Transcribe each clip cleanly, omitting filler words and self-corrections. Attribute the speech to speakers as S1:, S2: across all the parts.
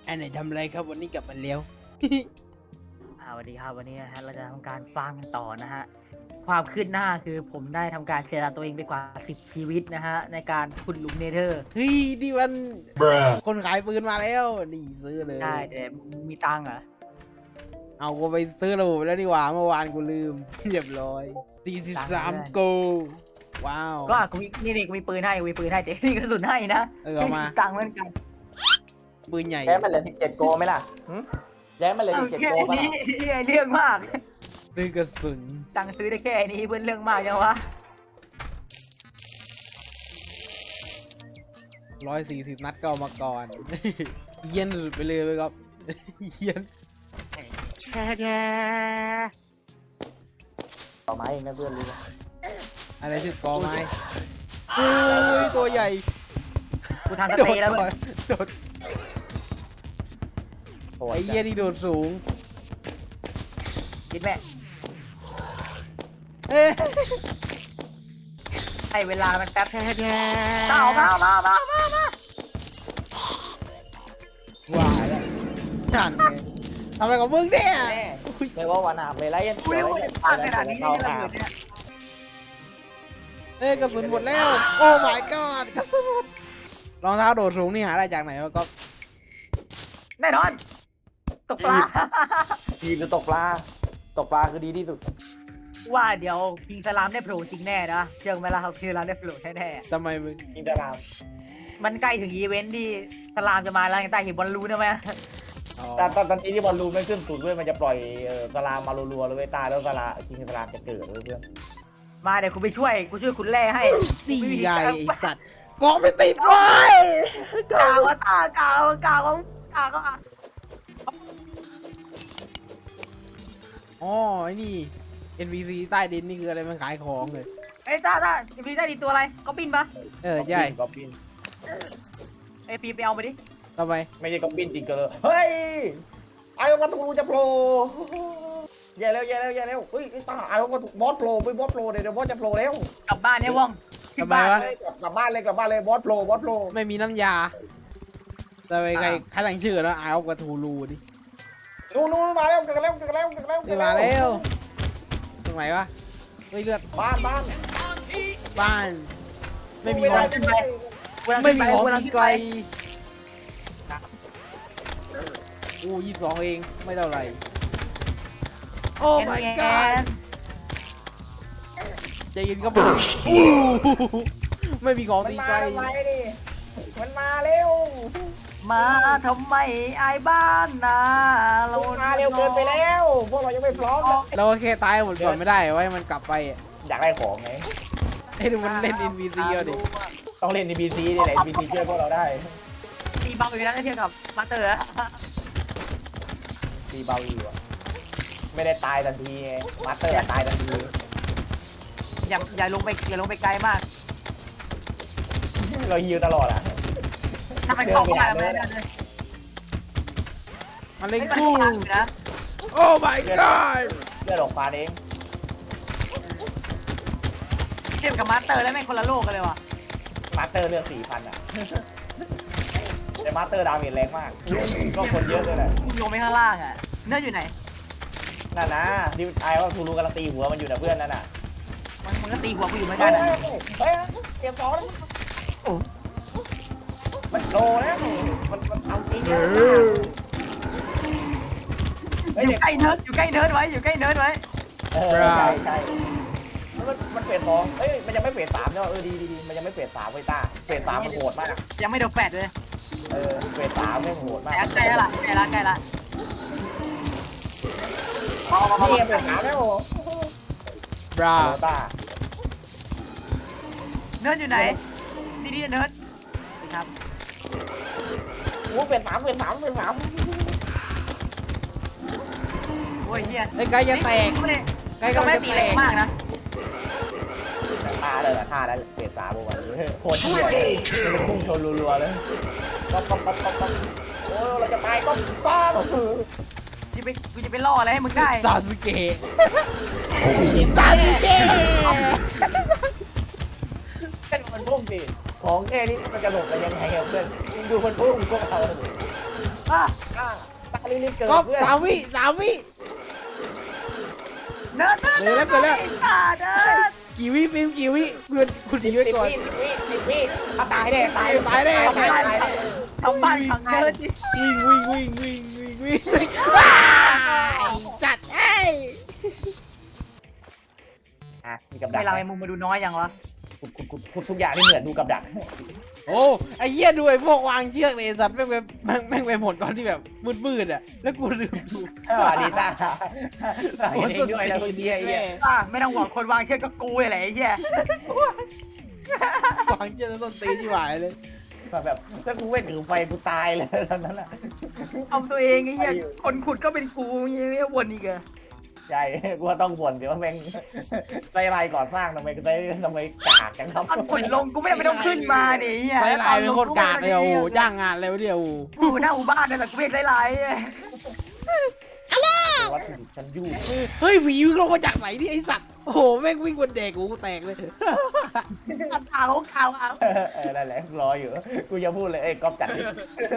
S1: อันไหนทำอะไรครับวันนี้กลับมาแล้ว
S2: สวัสดีครับวันนี้นะฮะเราจะทำการฟังต่อนะฮะความคืบหน้าคือผมได้ทำการเสียตัวเองไปกว่า10ชีวิตนะฮะในการขุดหลุมเนเธอร์
S1: เฮ้ยนี่มันคนขายปืนมาแล้วนี่ซื้อเลย
S2: ใช่แต่มีตังค์เหรอ
S1: เอากูไปซื้อระบบแล้วนี่หว่าเมื่อวานกูลืม เรียบร้อย43 โกว้าว
S2: ก็กูมีนี่กูมีปืนให้แต่นี่กระสุนให้นะ
S1: เอามา
S2: ตังค์เหมือนกัน
S1: ปืนใหญ่
S3: แย้มันเหลือ17โกไหมล่ะแย้มันเหลือ17
S2: แค่
S3: โกป่ะ
S2: นี้
S3: ล่ะ
S2: เรื่องมาก
S1: ซื้อกระสุน
S2: ตังค์ซื้อได้แค่นี้เพื่อนเรื่องมากจังวะ
S1: 140 นัดก็เอามาก่อน เยี่ยนสุดไปเลยครับ เยี่ยน
S3: ต่อไม้เองนะเพื่อนรู้
S1: อะไรชื่อกอไม้โอ้ยตัวใหญ่
S2: กูทำส
S1: โด
S2: เต
S1: ด
S2: ย์แล้ว
S1: ก่อนโดด
S3: โอ้
S1: ไอ้เยี่ยนี่โดดสูง
S2: คิดแม่
S1: เอ๊ะ
S2: ให้เวลามันแป๊บ
S1: แท้
S2: มา
S1: ว้ายแล้วนั่นไงทำอะไรกับมึงเนี่ย
S3: แน่เลยว่าวันอาบเลยไรยัน
S2: กูยังไม่ได้ฟังขนาดนี้
S3: เข้า
S2: เลย
S3: อาบ
S2: เนี่ย
S1: เอ้ยกระสุนหมดแล้ว โอ้ my god กระสุนหมดรองเท้าโดดสูงนี่หาได้จากไหนวะก็
S2: แน่นอนตกปลา
S3: ทีคือตกปลาคือดีที่สุด
S2: ว่าเดี๋ยวคิงสลามได้โผล่จริงแน่นะเชื่อไหมล่ะครับคือเราได้โผล่แน่
S1: ทำไมมึง
S3: กินตาราง
S2: ๆมันใกล้ถึงอีเวนท์ที่สลามจะมาแล้วยังใต้เห็นบอลลูนนะไหม
S1: อ๋อ
S3: แต่ตอนที่บอลลูนไม่ขึ้นสุดด้วยมันจะปล่อยสลามมารัวๆเลยเว้ยตายแล้วกินสลามจะเกิดเลยเพื่อน
S2: มาเดี๋ยวกูไปช่วยคุณแร่ให้
S1: สี่ใหญ่ไอ้สัตว์กองไม่ติดไว้
S2: กาวตากาวก็
S1: อ๋อไอ้นี่ NPC ใต้ดินนี่คืออะไรมันขายของเลย
S2: ไอ้ตาพี่ได้ดีตัวอะไรก็บินปะ
S1: เออใช่
S3: ก๊อปปี้
S2: ไอ้ปีไปเอาไปดิ
S1: ทำไม
S3: ไม่ใช่ก๊อปปี้จริงก็เลยเฮ้ยไอ้วัตถุจะโผล่แย่แล้วเฮ้ยตาไอ้วัตถุบอสโผล่ไปบอสโผล่เดี๋ยวบอสจะโผล่แล้ว
S2: กลับบ้านเนี่ยว่อง
S1: ทำไมวะ
S3: กลับบ้านเลยบอสโผล่
S1: ไม่มีน้ำยาแต่ไปใครตั้งชื่อแล้วอายเอากระทูรูดิ
S3: นู่นมาแล้วเกิดแล้ว
S1: นี่มาแล้วตรงไหนวะเฮ้ยเลือด
S3: บ้าน
S1: บ้าน ไม่มี
S3: เว
S1: ขอ
S3: ลาง ขึ้นไป
S1: ไม่มีของ
S2: เวลา
S1: ตี
S2: ขึ้น
S1: ไกล
S2: ไป
S1: โอ้22 เองไม่เท่าไหร่โอ้ my god ใจเย็นครับผมไม่มีของ
S3: มัน
S1: ตี
S3: มา
S1: ไกล
S3: ทำไมดิมันมาเร็ว
S2: มาทำไมไอ้บ้านนาเรา
S3: มาเร็วเกินไปแล้วพวกเรายังไม่พร้อมเลย
S1: เราก็แค่ตายหมดก่อนไม่ได้ไว้มันกลับไปอ่ะ
S3: อยากได้ของไง
S1: ให้ดูมันเล่น NPC เอาดิ
S3: ต้องเล่น NPC นี่แหละ NPC ช่วยพวกเราได้
S2: ตีเบาอยู่นะเทียบกับมาเตอร์
S3: ตีเบาอยู่อะไม่ได้ตายทันทีไงมาสเตอร์ตายทันที
S2: อย่าลงไปไกลมาก
S3: เราฮิวตลอดอ่ะ
S2: ถ้ามันเข้ามาไม่ได้เลย
S1: มันเล่น
S2: ไม่
S1: กู
S2: ต้องอยู่นะ
S1: โอ้ my god
S3: เลือดออกฟ้าเอง
S2: เทียบกับมาสเตอร์แล้วแม่งคนละโลกกันเลยว่ะ
S3: มาสเตอร์เลือด 4,000 อ่ะ แต่มาสเตอร์ดาเมจแรงมาก ก็คนเยอะด้วยแหละ
S2: ลงไปข้างล่างอ่ะเนื้ออยู่ไหน
S3: นั่นนะที่ไอ้ว่าทูรูกำลังตีหัวมันอยู่นะเพื่อนนั่นน่ะ
S2: มันก็ตีหัวกูอยู่เหมือน
S3: เฮ้
S2: กั
S3: ย
S2: นอ่ะ
S3: เฮ้ยเตรียมสองแล้วมันโลแล้วมันเอาจริงนะเฮ้ย
S2: อยู่ใกล้เนิร์ดไว้
S3: ใช่มันเฟสสองเอ้ยมันยังไม่เฟสสามเนาะดีมันยังไม่เฟสสามเว้ยต้าเฟสสามมันโหดมาก
S2: ยังไม่โดนแฟดเลย
S3: เฟสสามไม่โหดมาก
S2: ใกล้ละ
S3: นี่เฟสสามแล้ว
S1: บรา
S3: โหต้า
S2: เนิร์ดอยู่ไหนดีเนิร์ดครับ
S3: โอ้เฟสสาม
S2: โอ้ยเฮีย
S1: ไอ้ไกจะแตกไก
S2: ก็
S1: กำลั
S2: ไม่
S1: งจะ
S2: ตี
S1: แต
S2: แรง
S1: ก
S2: มากนะ
S3: ท่าเลยท่าแล้วเฟสสามวันโคตรเที่ยเลยมันพุ่งชนรัวๆเลยก๊อปโอ้เราจะตายก๊อป
S2: กูจะไปล่ออะไรให้มึงได้
S1: ซาสึเกะซาสึเกะ
S3: แค่มันพุ่งดิของแค่นี้มันจะหลบไปยังไงเพื่อนดูมันพุ่งพวกเรา
S2: อ่ะ
S3: ตาลีเกิด
S1: ก๊อฟ
S3: เพื่อน
S1: 3 วิ
S2: เนิร์ด
S1: เกิดแล้ว
S2: เนิร์ด
S1: กี่วิฟิล์มกี่วิคุณหนีไว้
S3: 10
S1: ก่อน
S3: วิเอาตายแน่ตาย
S2: ทำบ้านขังเนิร์ดดิ
S1: วิ่งจัดไอ้
S3: อ่ะมีกับดัก
S2: ไม่เราไอ้มุมมาดูน้อยยังวะ
S3: ขุดทุกอย่างที่เหมือนดูกับดัก
S1: โอ้ไอ้เหี้ยด้วยพวกวางเชือกเลยสัตว์แม่งไปหมดตอนที่แบบมืดอ่ะแล้วกูลืมดู
S3: ดีตาเห็นเองด้วยนะคนเดียวไอ้เหี้ย
S2: ไม่ต้องห่วงคนวางเชือกก็กูแหละไอ้เหี้ยว
S1: างเชือกแล้วต้นตีที่หวายเลย
S3: แบบถ้ากูไม่ถือไฟกูตายเลยตอนนั้นอ่ะ
S2: เอาตัวเองไอ้เหี้ยคนขุดก็เป็นกูเงี้ยวนอีกอะ
S3: ใช่กูว่าต้องบ่นเดี๋ยวแม่งใจลายก่อสร้างทำไมกากจังครับ
S2: ตอนขุดลงกูไม่ต้องขึ้นมาเนี่ยไอ้เหี้ย
S1: ไล่ลายเป็นโคตรกากเลยโอ้จ้างงานแล้วเดียว
S2: กูหน้าอูบ้านเลยแหละกูไม่ไล่ไล่
S3: วัตถุดิบชั้นยุ่ง
S1: เฮ้ยผีวิ่งลงมาจากไหนนี่ไอสัตว์โอ้โหแม่งวิ่งบนเด็กกูแตกเลย
S2: เอาเอา
S3: นั่นแหละรออยู่กูจะพูดเลยก๊อฟจัดดิ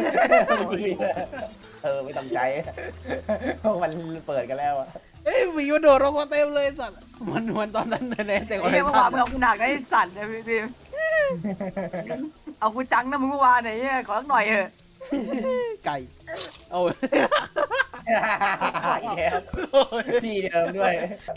S3: ไม่ต้องใจมันเปิดกันแล้วอะ
S1: เฮ้ยผีมันโดดลงมาเต็มเลยสัตว์มันตอนนั้นเลยแต่ก่อน
S2: ไอ้เหี้ยเมื่อวานมึงเอากูหนักได้สั่นนะพี่เอากูจังนะมึงเมื่อวานไหนเนี่ยขอสักหน่อยเถอะ
S1: ไก่โอ้ย
S3: ที่เดิมด้วย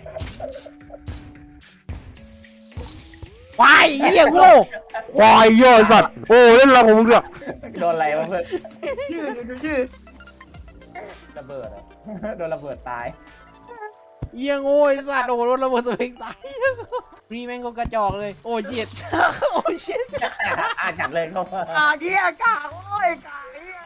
S1: ควายเหี้ยโง่ควายเหี้ยสัตว์โอ้เล่นอะไรของมึงเนี่ย
S3: โดนอะไรวะเพื่อน
S2: ดูชื่อ
S3: ระเบิดโดนระเบิดตาย
S1: เหี้ยโง่ไอ้สัตว์โอ้โดนระเบิดตัวเองตายนี่แม่งก็กระจอกเลยโอ้เจ็ดโอ้เจ็ด
S3: จัดเลยเข้ามา
S2: เหี้ยกาโอ้ยกาเหี้ย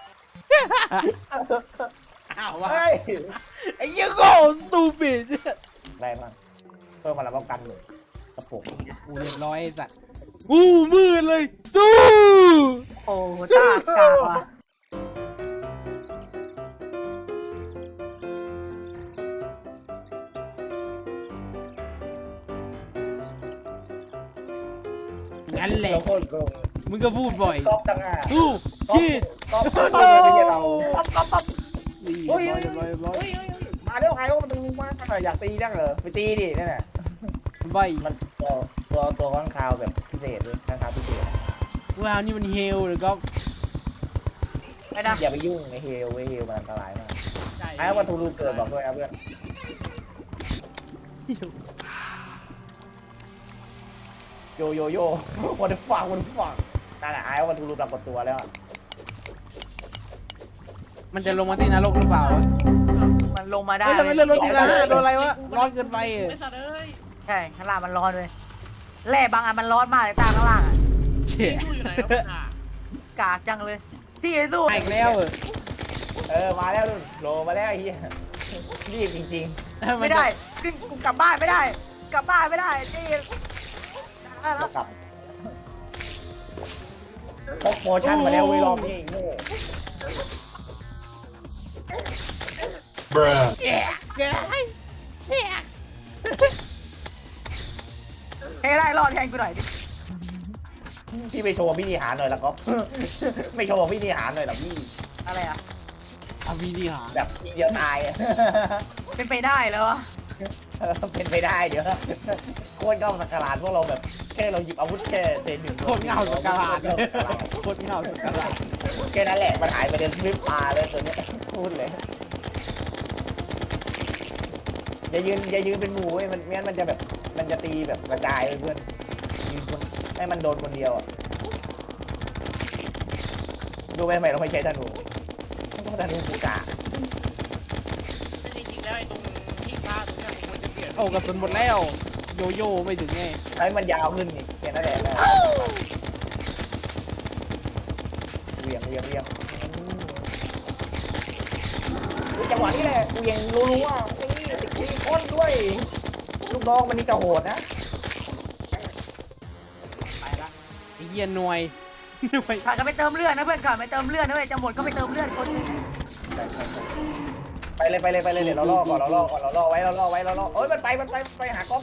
S1: อ้าววะ
S3: เฮ้ย
S1: ไอ้เหี้ยโง่ stupid
S3: แรงมากเพิ่มมาแล้วป้องกันเลยกระปุก
S1: กูเรียบร้อยไอ้สัตว์อู้มืดเลยสู้
S2: โอ้ตากาว่ะ
S1: งั้นแหละ
S3: โคตรโกง
S1: มึงก็พูดบ่อย
S3: ก๊อฟจังอ่ะ
S1: สู้ชีด
S3: ก๊อฟไม่ใช่เรา
S2: ปั๊บ
S1: นี่
S3: เฮ้ย
S1: เรียบร้อย
S3: มาเร็วใครว่ามันตึงมากอยากตีจังเหรอไปตีดินั่นแหละ
S1: ใบ
S3: มันตัวข้างคาวแบบพิเศษด้วยข้างคาวพิเศษ
S1: ว้าวนี่มันเฮลหรือก็
S2: ไปนะ
S3: อย่าไปยุ่งในเฮลมันอันตรายมากไอ้วัตถุรูเกิดบอกด้วยครับเพื่อนโยวันเดฟังนั่นแหละไอ้วัตถุรูปรากฏตัวแล้ว
S1: มันจะลงมาที่นรกหรือเปล่า
S2: มันลงมาได้
S1: เฮ้ยทำไมเลื่อนรถทีละโดนอะไรวะร้อนเกินไป
S4: ไอ้สัตว์เอ้ย
S2: ใช่ข้างล่างมันร้อนเลยแร่บางอันมันร้อนมากเลยตาข้างล่างอ่ะ
S1: เชี่ย
S4: สู้อยู่ไหนวะมึงอ่ะ
S2: กากจังเลยที่ไอ้สู้
S1: มาอีกแล้ว
S3: มาแล้วโลมาแล้วไอ้เหี้ยรีบจริง
S2: ไม่ได้ขึ้นกูกลับบ้านไม่ได้ กลับบ้านไม่ได้ที่
S3: ๆกลับพกโมชั่นมาแล้วเว้ยรอบนี้โง่
S1: แก่แก่
S2: ให้ได้รอดแทนกูหน่อยดิ
S3: พี่ไปโชว์พิธีหารหน่อยละก็ ไม่โชว์พิธีหารหน่อยหรอพี่
S2: อะไรอ่ะ
S1: อาวีดีหา
S3: แบบทีเดียวตาย
S2: เป็นไปได้แล้ววะ
S3: เป็นไปได้เดี๋ยวโคตรเง่าสักการะพวกเราแบบแค่เราหยิบอาวุธแค่เศษหนึ่ง
S1: โคตรเงาสักการะโคตรเงาสักการะ
S3: แค่นั้นแหละมันหายไปเดินพลิบตาเลยตัวเนี้ยพูดเลยอย่ายืนเป็นหมู่เว้ยมันงั้นมันจะแบบมันจะตีแบบกระจายเพื่อนยืนคนให้มันโดนคนเดียวอ่ะดูไปทำไมเราไม่ใช้ธนูต้องธนูกูกะ
S4: แต่จริงๆแล้วไอ้ตรงที่ฆ่าตรงเนี้ยผมควรจะเปลี่ยน
S1: โอ้กระสุนหมดแล้วโยโย่ไม่ถึงไง
S3: ให้มันยาวขึ้นนี่แค่นั้นแหละเวียงจังหวะนี้แหละกูยังรู้ว่านี่ติดก้นด้วยลูกน้องมันนี่จะโหดนะ
S1: ไปละไอ้เหี้ยหน่วย
S2: ขาดกันไปเติมเลือดนะเพื่อนขาดไปเติมเลือดนะเว้ยจะหมดก็ไปเติมเลือดคน
S3: ไปเลยเดี๋ยวเราล่อก่อนเราล่อไว้เอ้ยมันไปหากล้อง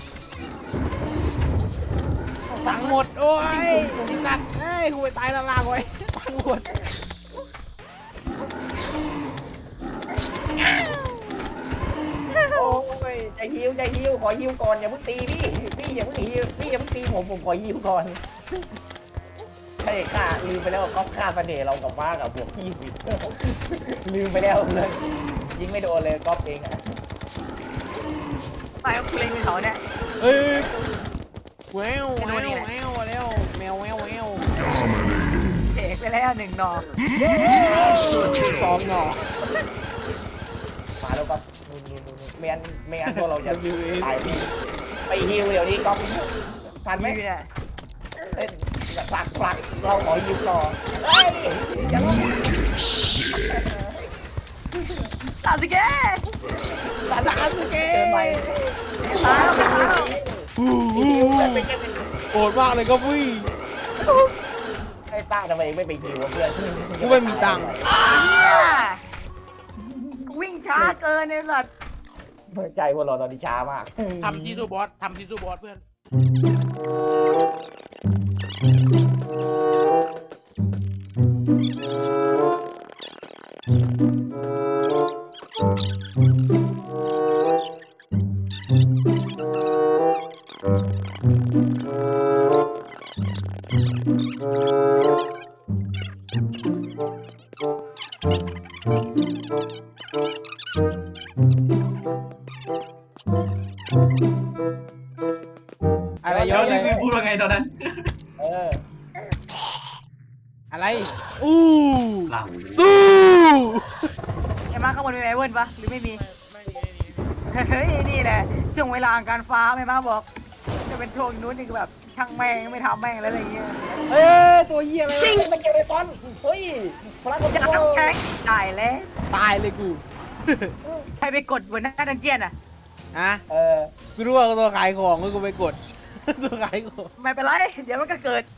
S1: ตังหมดโอ้ยไอ้สัตว์เฮ้ยกูไปตายละลาไว้ตังหมด
S3: ขอฮิวก่อนอย่าเพิ่งตีพี่อย่าเพิ่งฮิวพี่อย่าเพิ่งตีผมขอฮิวก่อนใช่ค่ะลืมไปแล้วก็ฆ่าเสน่ห์เรากับว่ากับบวก20ลืมไปแล้วเลยยิงไม่โดนเลยก๊อฟเองอะ
S2: ไปเอาเพลงไปเขาเนี่ย
S1: เฮ้ยแวว
S2: ไม่
S1: แว
S2: รู้
S1: ว
S2: นี่แหละ
S1: แววแล้วแมวแววแวว
S2: เอกไปแล้ว1 หนอ
S1: สองหน่อ
S3: มาแล้วก็นู่นไม่งั้นพวกเราจะตายพี่ไปฮิวเดี๋ยวนี้ก๊อฟทันไหม
S2: ไม่เนี่ย
S3: เล่นผลักเราขอฮิวต่อเฮ้ยอย่าลง
S2: ตามสิแก
S1: สามสเก
S3: เกินไป
S2: ตายแล้ว
S1: โกรธมากเลยก็พี่
S3: ไอ้ต้าทำไมไม่ไปฮิวเพื่อน
S1: กูไม่มีตังค์
S2: วิ่งช้าเกินเนี่ยสัตว์
S3: ใจพวกเราตอนนี้ช้ามาก
S4: ทำที่สู้บอสทำที่สู้บอสเพื่อน
S1: อะไร
S5: เดี๋
S1: ย้
S5: ย
S1: อ
S5: วน
S1: เล
S5: รี
S1: ย
S5: วิวพูดว่าไงตอนนั้น
S3: เออ
S1: อะไรอู้
S5: หลัง
S1: สู้
S2: ไอ้มาข้างบนมีไอเวิร์นปะหรือไม่มี
S4: ไม่มี
S2: เฮ้ยนี่แหละช่วงเวลาการฟ้าไอ้มาบอก จะเป็นช่วงนู้นนี่คือแบบช่างแม่งไม่ทำแม่งแล้วอะไรเงี้ย
S1: เอ้ยตัวเหี้ยอะไร
S3: ซิง
S1: วะ
S3: มันเจอไอ้ตอนเฮ้ยพลังของ
S2: จะ
S3: โล
S2: แข็งตายแล้ว
S1: ตายเลยกู
S2: ใครไปกดบนหน้าดันเจียนอ่ะ
S1: อ่ะ
S3: เออ
S1: กูรู้ว่าตัวขายของกูไปกด ตัวขายของ
S2: ไม่เป็นไร เดี๋ยวมันก็เกิด